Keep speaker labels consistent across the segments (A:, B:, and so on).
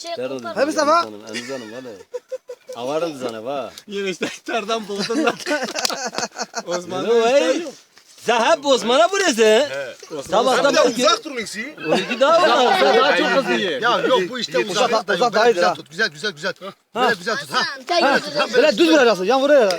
A: Hep sefa.
B: Anızanım valla. Avarım sana va.
C: Yine işte iftardan buldun lan. Osman'dan
B: Ne
C: iftar
B: vay?
C: yok.
B: Sen hep Osman'a burası.
C: Sabahtan
D: Bir de
C: belki
D: uzak durun ikisi.
B: 12 daha var.
C: sen daha çok hızlı ye.
D: Ya yok bu işte uzak da
A: uzak daha iyidir
D: güzel
A: ha.
D: tut. Güzel güzel. Böyle güzel tut. Ha.
A: Böyle düz vuracaksın. Yan vuraya.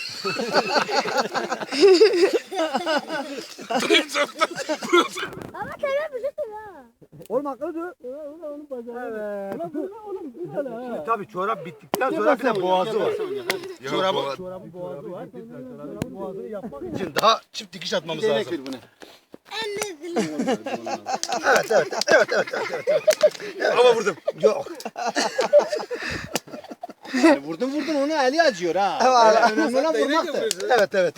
E: Ama sen bilirsin ha.
A: Oğlum akıllı dur. Evet.
D: Tabii çorap bittikten sonra bir de boğazı var. Çorabı
A: Boğazı var. Boğazını yapmak
D: için daha çift dikiş atmamız lazım.
E: Elini
D: Ama vurdum. Yok.
C: Vurdun onu eli acıyor ha. Önemli olan vurmaktır.
D: Evet.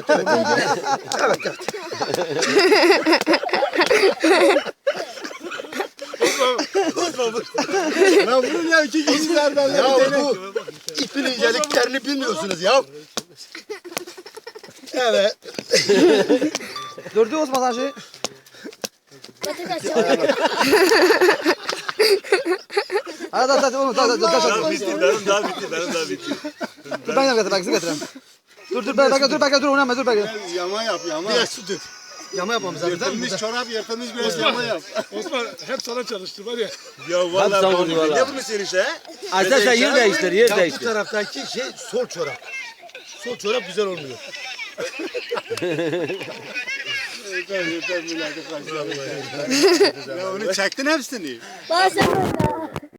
C: Lan vurun ya iki kişilerden.
D: Ya bu ipin inceliklerini bilmiyorsunuz ya. Evet.
A: Durdu Osman sen şey. Hadi oğlum taş.
B: Benim daha bitti.
A: Dur ben getireyim. Dur bekle dur oynama dur bekle.
C: Yama yap yama.
D: Biraz su dök. Yama yapmamız lazım.
C: Yırtılmış çorap yırtılmış biraz yama yap. Osman hep sana çalıştır var ya.
D: Ya
B: Hadi sen vur valla.
D: Ne bunu senin işte?
B: Aslında sen yer değiştir, yer
D: Ya bu
B: değiştir.
D: taraftaki şey sol çorap. Sol çorap güzel olmuyor.
C: Ya onu çektin hepsini.
E: Bazen böyle.